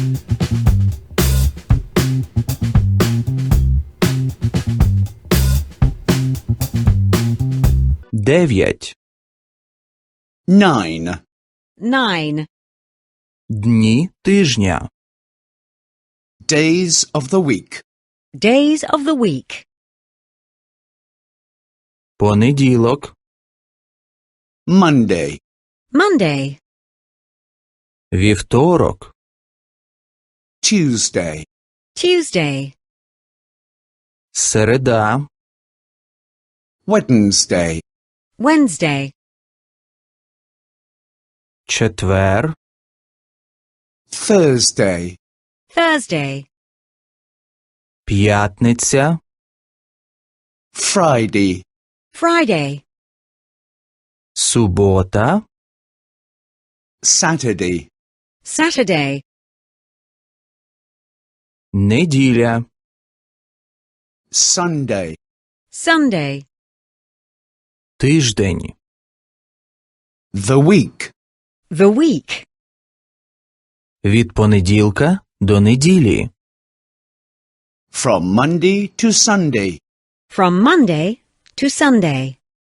9. 9. 9. Дні тижня. Days of the week. Days of the week. Понеділок, Monday. Monday. вівторок, Tuesday. Tuesday. середа, Wednesday. Wednesday. четвер, Thursday. Thursday. п'ятниця, Friday. Friday. субота, Saturday. Saturday. неділя, Sunday. Sunday. тиждень, The week. The week. від понеділка до неділі, From Monday to Sunday. From Monday to Sunday.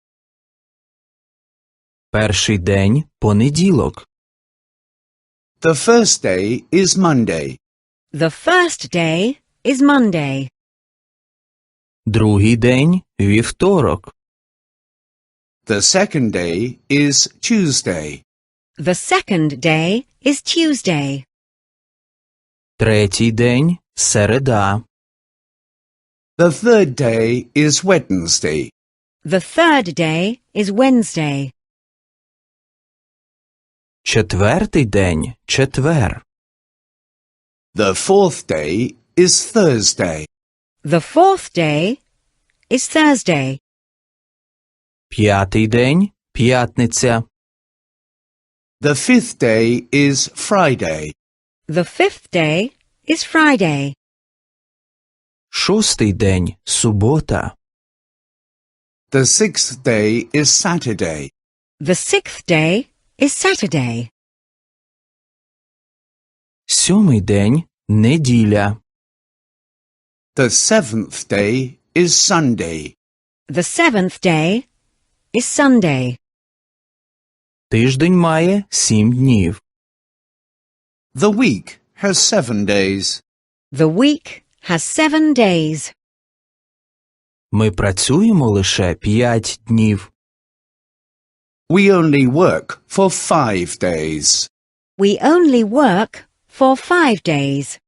перший день – понеділок, The first day is Monday. The first day is Monday. другий день – вівторок, The second day is Tuesday. The second day is Tuesday. третій день – середа, The third day is Wednesday. The third day is Wednesday. четвертий день – четвер, The fourth day is Thursday. The fourth day is Thursday. п'ятий день – п'ятниця, The fifth day is Friday. The fifth day is Friday. шостий день – субота, The sixth day is Saturday. The sixth day is Saturday. сьомий день – неділя, The seventh day is Sunday. The seventh day is Sunday. тиждень має 7 днів, The week has 7 days. The week has 7 days. ми працюємо лише 5 днів, We only work for 5 days. We only work for 5 days.